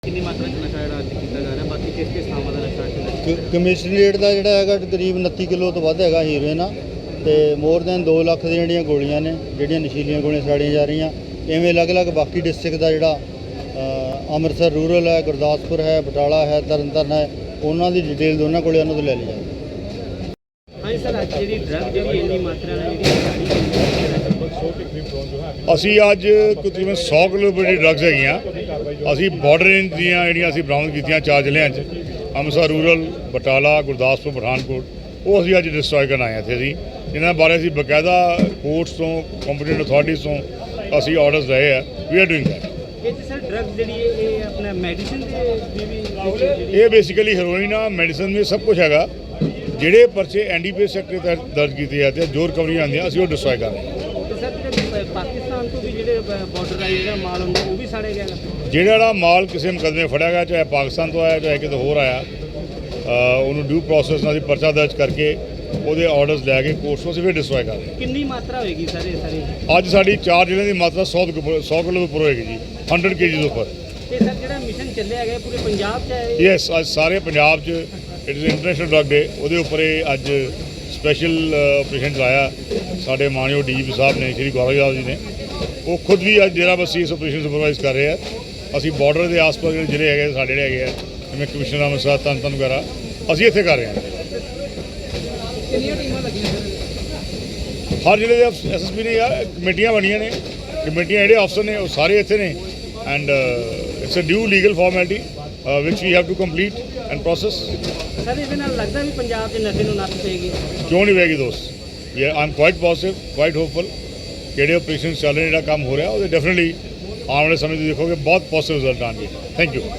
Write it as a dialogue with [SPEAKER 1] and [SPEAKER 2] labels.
[SPEAKER 1] कितनी मात्रा च नशा ਜਿਹੜਾ ਅੱਜ ਕੀਤਾ ਜਾ ਰਿਹਾ ਬਾਕੀ ਕਿਸ ਕਿਸ ਥਾਵਾਂ ਦਾ ਨਸ਼ਾ ਅੱਜ
[SPEAKER 2] ਕਮਿਸ਼ਨਰੇਟ ਦਾ ਜਿਹੜਾ ਹੈਗਾ ਤਕਰੀਬ 29 ਕਿਲੋ ਤੋਂ ਵੱਧ ਹੈਗਾ ਹੀਰੋਇਨ ਤੇ ਮੋਰ ਦੈਨ 2 ਲੱਖ ਦੀਆਂ ਜਿਹੜੀਆਂ ਗੋਲੀਆਂ ਨੇ ਜਿਹੜੀਆਂ ਨਸ਼ੀਲੀਆਂ ਗੋਲੀਆਂ ਸਾੜੀਆਂ ਜਾ ਰਹੀਆਂ। ਇਵੇਂ ਅਲੱਗ-ਅਲੱਗ ਬਾਕੀ ਡਿਸਟ੍ਰਿਕਟ ਦਾ ਜਿਹੜਾ ਅੰਮ੍ਰਿਤਸਰ ਰੂਰਲ ਹੈ, ਗੁਰਦਾਸਪੁਰ ਹੈ, ਬਟਾਲਾ ਹੈ, ਤਰਨਤਾਰਨ ਹੈ, ਉਹਨਾਂ ਦੀ ਡਿਟੇਲ ਦੋਨਾਂ ਕੋਲੇ ਉਹਨਾਂ ਤੋਂ ਲੈ ਲਈ ਜਾਵੇ।
[SPEAKER 1] ਹਾਂਜੀ ਸਰ, ਅੱਜ ਜਿਹੜੀ ਡਰੱਗ ਜਿਹੜੀ ਇੰਨੀ ਮਾਤਰਾ ਨਾਲ ਜਿਹੜੀ
[SPEAKER 3] ਅਸੀਂ ਅੱਜ ਤਕਰੀਬਨ 100 ਕਿਲੋ ਦੀ ਡਰੱਗਸ ਹੈਗੀਆਂ। ਅਸੀਂ ਬਾਰਡਰ ਰੇਂਜ ਦੀਆਂ ਜਿਹੜੀਆਂ ਅਸੀਂ ਬਰਾਮਦ ਕੀਤੀਆਂ 4 ਜ਼ਿਲ੍ਹਿਆਂ 'ਚ, ਅੰਮ੍ਰਿਤਸਰ ਰੂਰਲ, ਬਟਾਲਾ, ਗੁਰਦਾਸਪੁਰ, ਪਠਾਨਕੋਟ, ਉਹ ਅਸੀਂ ਅੱਜ ਡਿਸਟਰੋਏ ਕਰਨ ਆਏ ਇੱਥੇ। ਅਸੀਂ ਇਹਨਾਂ ਬਾਰੇ ਅਸੀਂ ਬਕਾਇਦਾ ਕੋਰਟਸ ਤੋਂ, ਕੰਪੀਟੈਂਟ ਅਥਾਰਟੀਜ਼ ਤੋਂ ਅਸੀਂ ਆਰਡਰਸ ਲਏ ਆ। We are doing that.
[SPEAKER 1] ਇਹ ਸਰ ਡਰੱਗ ਜਿਹੜੀ ਇਹ ਆਪਣਾ ਮੈਡੀਸਿਨ ਦੀ ਵੀ
[SPEAKER 3] ਇਹ ਬੇਸਿਕਲੀ ਹੈਰੋਇਨ ਆ, ਮੈਡੀਸਨ ਵੀ ਸਭ ਕੁਝ ਹੈਗਾ। ਜਿਹੜੇ ਪਰਚੇ ਐਨਡੀਪੀਐਸ ਐਕਟ ਤਹਿਤ ਦਰਜ ਕੀਤੇ ਜਾਂਦੇ ਆ, ਜੋ ਰਿਕਵਰੀਆਂ ਆਉਂਦੀਆਂ ਅਸੀਂ ਉਹ ਡਿਸਟਰੋਏ ਕਰ ਰਹੇ ਹਾਂ।
[SPEAKER 1] ਸਰ ਪਾਕਿਸਤਾਨ ਤੋਂ ਵੀ ਜਿਹੜੇ ਬਾਰਡਰ ਦਾ ਜਿਹੜਾ ਮਾਲ ਹੁੰਦਾ ਉਹ ਵੀ ਸਾੜਿਆ ਗਿਆ।
[SPEAKER 3] ਜਿਹੜਾ ਮਾਲ ਕਿਸੇ ਮੁਕੱਦਮੇ ਫੜਿਆ ਗਿਆ, ਚਾਹੇ ਪਾਕਿਸਤਾਨ ਤੋਂ ਆਇਆ ਚਾਹੇ ਕਿਤੇ ਹੋਰ ਆਇਆ, ਉਹਨੂੰ ਡਿਊ ਪ੍ਰੋਸੈਸ ਨਾਲ ਪਰਚਾ ਦਰਜ ਕਰਕੇ ਉਹਦੇ ਆਰਡਰਸ ਲੈ ਕੇ ਕੋਰਟਸ ਨੂੰ ਅਸੀਂ ਫਿਰ ਡਿਸਟਰੋਏ ਕਰ ਰਹੇ ਹਾਂ।
[SPEAKER 1] ਕਿੰਨੀ ਮਾਤਰਾ ਹੋਏਗੀ ਸਰ ਇਹ ਸਾਰੀ?
[SPEAKER 3] ਅੱਜ ਸਾਡੀ 4 ਜ਼ਿਲ੍ਹਿਆਂ ਦੀ ਮਾਤਰਾ 100 ਕਿਲੋ ਤੋਂ ਉੱਪਰ ਹੋਏਗੀ ਜੀ, 100 kg ਉੱਪਰ।
[SPEAKER 1] ਤੇ ਸਰ ਜਿਹੜਾ ਮਿਸ਼ਨ ਚੱਲਿਆ ਗਿਆ ਪੂਰੇ ਪੰਜਾਬ 'ਚ ਹੈ?
[SPEAKER 3] ਯੈਸ, ਅੱਜ ਸਾਰੇ ਪੰਜਾਬ 'ਚ it is international drug day, ਉਹਦੇ ਉੱਪਰ ਇਹ ਅੱਜ ਸਪੈਸ਼ਲ ਆਪਰੇਸ਼ਨ ਚਲਾਇਆ ਸਾਡੇ ਮਾਨਯੋਗ ਡੀਜੀਪੀ ਸਾਹਿਬ ਨੇ, ਸ਼੍ਰੀ ਗੌਰਵ ਯਾਦਵ ਜੀ ਨੇ। ਉਹ ਖੁਦ ਵੀ ਅੱਜ ਡੇਰਾ ਬੱਸੀ ਇਸ ਆਪਰੇਸ਼ਨ ਸੁਪਰਵਾਈਜ਼ ਕਰ ਰਹੇ ਆ। ਅਸੀਂ ਬਾਰਡਰ ਦੇ ਆਸ-ਪਾਸ ਜਿਹੜੇ ਜ਼ਿਲ੍ਹੇ ਹੈਗੇ ਸਾਡੇ ਜਿਹੜੇ ਹੈਗੇ ਆ, ਜਿਵੇਂ ਕਮਿਸ਼ਨਰ ਅੰਮ੍ਰਿਤਸਰ, ਤਰਨਤਾਰਨ ਵਗੈਰਾ, ਅਸੀਂ ਇੱਥੇ ਕਰ ਰਹੇ ਹਾਂ।
[SPEAKER 1] ਕਿੰਨੀਆਂ ਟੀਮਾਂ ਲੱਗੀਆਂ ਸਰ?
[SPEAKER 3] ਹਰ ਜ਼ਿਲ੍ਹੇ ਦੇ ਐਸਐਸਪੀ ਨੇ ਯਾਰ ਕਮੇਟੀਆਂ ਬਣੀਆਂ ਨੇ, ਕਮੇਟੀਆਂ ਜਿਹੜੇ ਅਫਸਰ ਨੇ ਉਹ ਸਾਰੇ ਇੱਥੇ ਨੇ। And it's a due legal formality which we have to complete and process.
[SPEAKER 1] Sir ਇਹਦੇ ਨਾਲ ਲੱਗਦਾ ਵੀ ਪੰਜਾਬ 'ਚ ਨਸ਼ੇ ਨੂੰ ਨੱਥ ਪਏਗੀ?
[SPEAKER 3] ਕਿਉਂ ਨਹੀਂ ਪਏਗੀ ਦੋਸਤ? I am quite positive, quite hopeful. ਜਿਹੜੇ ਆਪਰੇਸ਼ਨ ਚੱਲ ਰਹੇ, ਜਿਹੜਾ ਕੰਮ ਹੋ ਰਿਹਾ, ਉਹਦੇ ਡੈਫੀਨਿਟਲੀ ਆਉਣ ਵਾਲੇ ਸਮੇਂ 'ਚ ਦੇਖੋਗੇ ਬਹੁਤ ਪੋਜ਼ਿਟਿਵ ਰਿਜ਼ਲਟ ਆਉਣਗੇ। Thank you.